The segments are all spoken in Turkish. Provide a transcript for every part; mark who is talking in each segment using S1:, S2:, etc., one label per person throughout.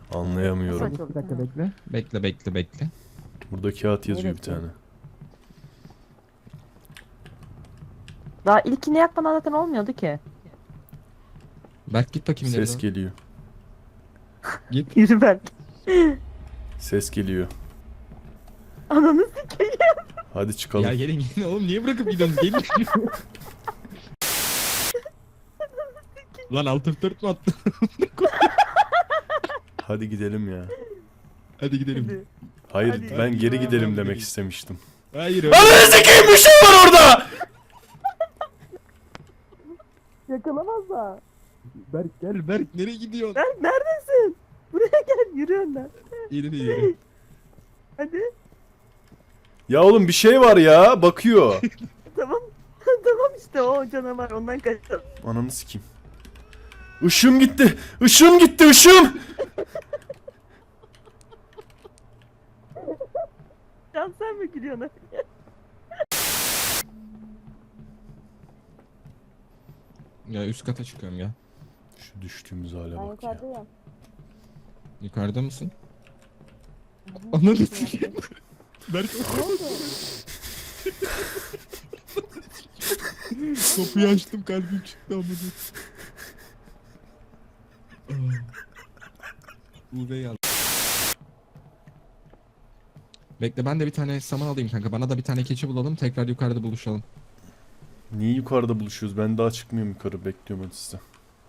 S1: Anlayamıyorum.
S2: Bir dakika bekle.
S3: Bekle.
S1: Burada kağıt yazıyor bir
S2: Evet,
S1: tane.
S4: Daha ilkini yapmadan zaten olmuyordu ki.
S3: Berk git bakayım ileri
S1: Ses
S3: doğru.
S1: geliyor.
S3: Git.
S4: Yürü ben.
S1: Ses geliyor.
S4: Ananı sikeyim.
S1: Hadi çıkalım.
S3: Ya gelin oğlum niye bırakıp gidiyorsunuz gelin. Lan alt F4 mü attı?
S1: Hadi gidelim ya.
S3: Hadi gidelim.
S1: Hayır
S4: Hadi.
S1: ben geri
S3: Hadi.
S1: gidelim
S3: Hadi.
S1: demek istemiştim.
S3: Hayır öyle.
S1: Ananı sikeyim bir şey var orada!
S4: Yakalamazlar.
S3: Berk nereye gidiyorsun?
S4: Berk neredesin? Buraya gel yürü önden.
S3: İleri.
S4: Hadi.
S1: Ya oğlum bir şey var ya bakıyor.
S4: Tamam. Tamam işte o canavar ondan kaçalım.
S1: Ananı sikeyim. Işığım gitti. Işığım gitti ışığım.
S4: Can sen mi gülüyorsun?
S3: Ya üst kata çıkıyorum ya.
S1: Şu düştüğümüz hale bak ya.
S4: yukarıdayım.
S3: Yukarıda mısın? Ananı sikeyim. Berk kapıyı açtım kalbim çıktı amına. Uğur'u al. Bekle ben de bir tane saman alayım kanka. Bana da bir tane keçi bulalım. Tekrar yukarıda buluşalım.
S1: Niye yukarıda buluşuyoruz? Ben daha çıkmıyorum yukarı. Bekliyorum hadi size.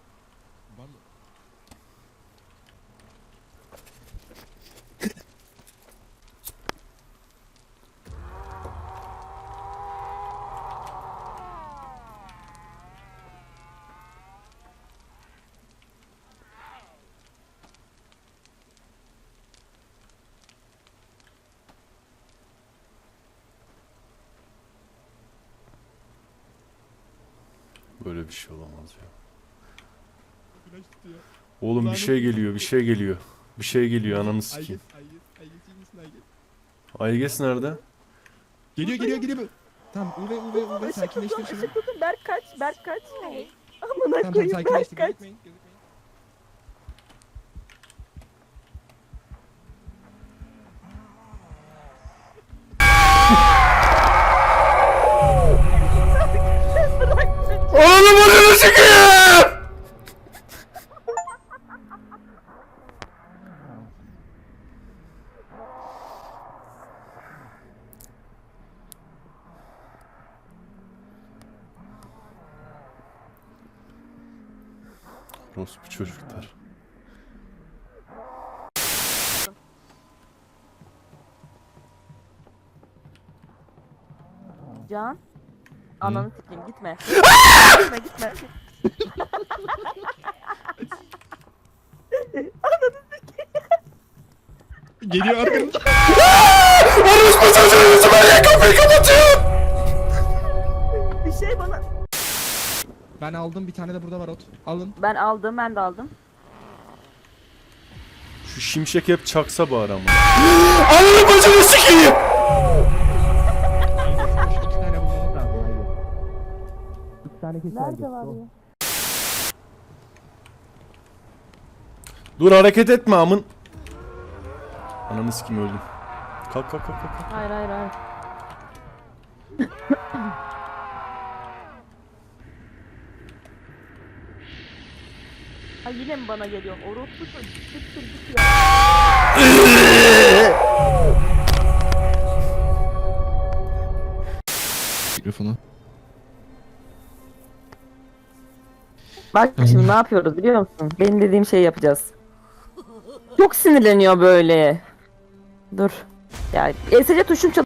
S1: Böyle bir şey olamaz ya. Oğlum bir şey geliyor, bir şey geliyor. Bir şey geliyor ananı sikeyim. Ayges nerede?
S3: Geliyor. Tamam Uğur'u sakinleştir şunu.
S4: Işık tutun Berk kaç. Berk kaç. Amına
S3: Tamam
S4: koyayım Berk
S3: sakinleştir.
S4: kaç.
S3: Gözükmeyin.
S1: Oğlum ananı sikeyim! Orospu çocuklar.
S4: Can. Ananı sikeyim gitme. Gitme.
S3: Geliyor arkamda.
S1: Orospu çocuğu yüzüme niye kapıyı kapatıyor?
S4: Bir şey bana.
S3: Ben aldım bir tane de burada var ot. Alın.
S4: Ben de aldım.
S1: Şu şimşek hep çaksa bari ama. Ananı bacını sikeyim!
S3: İki tane bulmamız lazım. Haydi. İki tane kesin
S4: Nerede var ya?
S1: Dur hareket etme amın. Ananı sikeyim öldüm. Kalk.
S4: Hayır. Ay yine mi bana geliyorsun? Orospu çocuk. Git ya.
S3: Mikrofonu.
S4: Bak şimdi ne yapıyoruz biliyor musun? Benim dediğim şeyi yapacağız. Çok sinirleniyor böyle. Dur. Ya ESC tuşum